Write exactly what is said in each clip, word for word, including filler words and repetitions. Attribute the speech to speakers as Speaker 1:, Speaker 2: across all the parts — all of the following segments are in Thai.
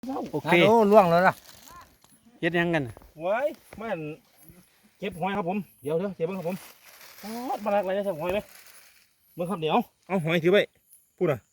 Speaker 1: โอเค
Speaker 2: โอ้ล่วงแล้วล่ะ
Speaker 1: เฮ็ดยังกัน
Speaker 3: ไว้มันเก็บหอยครับผมเดี๋ยวเดี๋ยวเก็บบ้างครับผมอ๋อมาลักอะไรจะใส่หอยไหมเมื่อครับเดี๋ยวเอาหอยถือไปพูดอ่ะ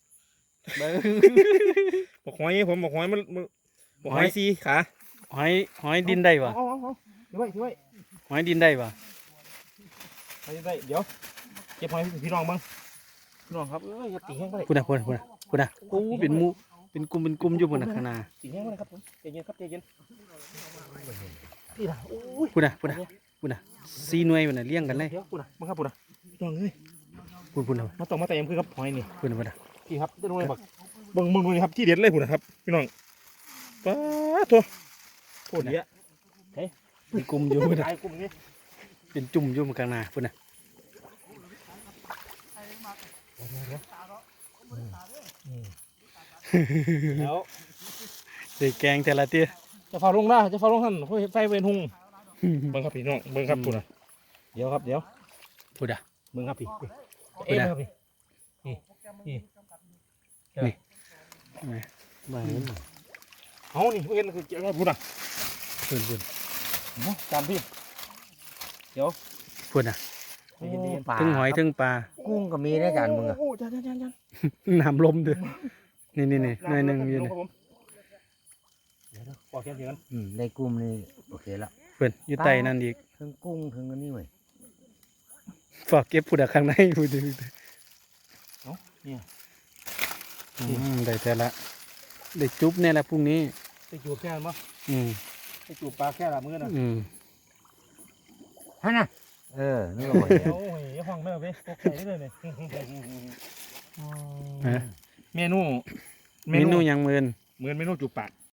Speaker 3: บอกหอยผมบอกหอยมันบอกหอยสีขา
Speaker 1: หอยหอยดินได้ปะ
Speaker 3: เอาเอาเอาถือไว้ถือไว้
Speaker 1: หอยดินได้ปะ
Speaker 3: ไปไปเดี๋ยวเก็บหอยพี่น้องบ้างพี่น้องครับเอ้ยอย่าตีแห้งไปเลย
Speaker 1: พูดนะพูดนะพูดนะพูดนะโอ้เป็นหมูเป็นกลุ่มเป็นกลุ่มอยู่บนข้างหน้า
Speaker 3: ตีแห้งไปเลยครับผมใจเย็นครับใจเย็นนี่นะโอ้ย
Speaker 1: พูดนะพูดนะพูดนะซีหน่วยมันน่ะเลี้ยงกันเลย
Speaker 3: เดี๋ยวพูดนะมึงครับพูดนะพี่น้องเอ้ย
Speaker 1: พูดพูดนะ
Speaker 3: มาต้องมาแต่ยังคือครับหอยนี่
Speaker 1: พูดนะพูดนะ
Speaker 3: พี่ครับจะดูเลยบักเบิ่งมึงดูนี่ครับที่เด็ดเลยพูดนะครับพี่น้องป้าตัวโคตรเยอะ
Speaker 1: เป็นกลุ่มอยู่พูดนะ
Speaker 3: ไอ้กลุ่มนี้
Speaker 1: เป็นจุ่มอยู่บนข้างหน้าพูดนะ
Speaker 3: เดี๋ยว
Speaker 1: ใส่แกงแต่ละเตี้ย
Speaker 3: จะฟ้าลงหน้าจะฟ้าลงหันเพื่อไฟเวนหุงเบิ่งครับพี่น้องเบิ่งครับพูดนะเดี๋ยวครับเดี๋ยว
Speaker 1: พูดนะ
Speaker 3: เบิ่งครับพี่เอ็นครับพี่นี่นี่
Speaker 1: บ้า
Speaker 3: เอานี่เอ็นคือเจ้าพูดนะ
Speaker 1: พูดพูด
Speaker 3: จานพี่เดี๋ยว
Speaker 1: พูดนะ
Speaker 2: ปลา
Speaker 1: ถึงหอยถึงปลา
Speaker 2: กุ้งก็มีนะจานมึงอะ
Speaker 3: โอ้จานจานจานจาน
Speaker 1: น้ำลมด้วยนี่นี่นี่หน่อยหนึ่งอยู่นี่
Speaker 3: เดี๋ยวปอกแก้มเสียงกัน
Speaker 2: อืมได้กุ้งนี่โอเคละ
Speaker 1: เพื่อนอยู่ใต้นั่นอีก
Speaker 2: ทั้งกุ้งทั้งอันนี้เว้ย
Speaker 1: ฝากเก็บพูดอะข้างในพูดดิ
Speaker 3: เนี่ย
Speaker 1: อืมได้แต่ละได้จุ๊บเนี่ยแหละพรุ่งนี้
Speaker 3: ไปจูบแค่นั้นมั้ง
Speaker 1: อืม
Speaker 3: ไปจูบปลาแค่ละมือนะ
Speaker 1: อืม
Speaker 2: ฮะนะเออนี่ก็หอย
Speaker 3: โอ้ยห้องไม่เอาไปตกใจได้เลยเนี่ย
Speaker 1: ฮะ
Speaker 3: เมนู
Speaker 1: เมนูยังเมิน
Speaker 3: เหมือนเมนูจูบปาก